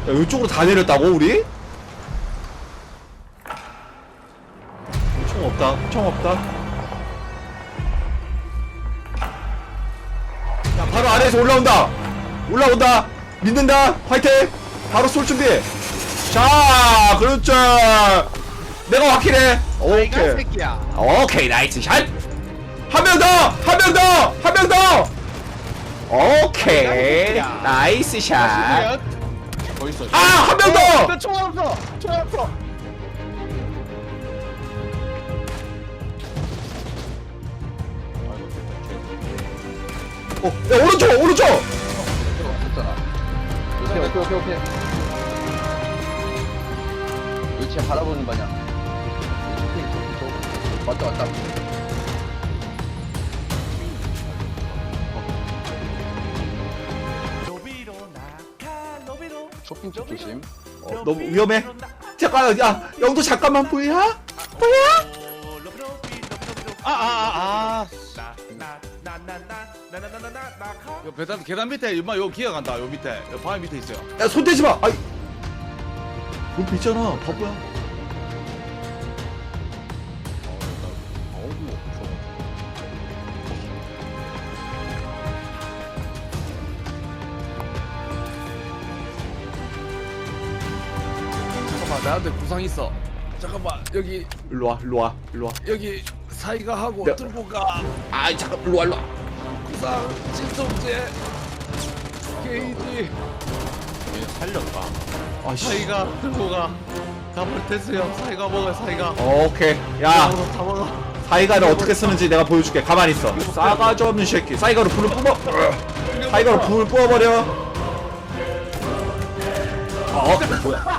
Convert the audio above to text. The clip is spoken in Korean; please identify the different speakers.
Speaker 1: 야, 이쪽으로 다 내렸다고 우리? 총 없다. 총 없다. 야, 바로 아래에서 올라온다. 올라온다. 믿는다. 화이팅. 바로 쏠 준비. 자, 그렇죠. 내가 확실해. 오케이.
Speaker 2: 새끼야.
Speaker 1: 오케이, 나이스 샷. 한 명 더. 한 명 더. 한 명 더. 오케이. 나이스 샷.
Speaker 2: 뭐 있어?
Speaker 1: 아, 한 명 더.
Speaker 2: 총알 없어. 총알 없어.
Speaker 1: 야, 오른쪽, 오른쪽.
Speaker 3: 됐잖아. 오케이. 위치 바라보는 방향. 왔다. 쇼핑 쪽 조심.
Speaker 1: 너무 위험해. 잠깐, 야, 영도 잠깐만 보이야? 보이야?
Speaker 2: 요 계단 밑에 엄마 요 기어간다. 요 밑에 요 바위 밑에 있어요.
Speaker 1: 야, 손 대지 마. 아이, 옆에 있잖아, 바보야.
Speaker 2: 잠깐만 나한테 구상 있어. 잠깐만 여기
Speaker 1: 일로 와, 일로 와, 일로 와.
Speaker 2: 여기 사이가 하고
Speaker 1: 야.
Speaker 2: 들고 가.
Speaker 1: 아이, 잠깐, 일로 와, 일로 와.
Speaker 2: 구상 진통제 게이지 살렸다.
Speaker 1: 아씨.
Speaker 2: 사이가 들고 가. 잡을 됐어요. 사이가 먹어 사이가.
Speaker 1: 오케이. 야,
Speaker 2: 다 먹어.
Speaker 1: 사이가를 어떻게 쓰는지 내가 보여줄게. 가만히 있어. 싸가지 없는 새끼. 사이가로 불을 뿜어. 사이가로 불을 뿜어버려. 뭐야?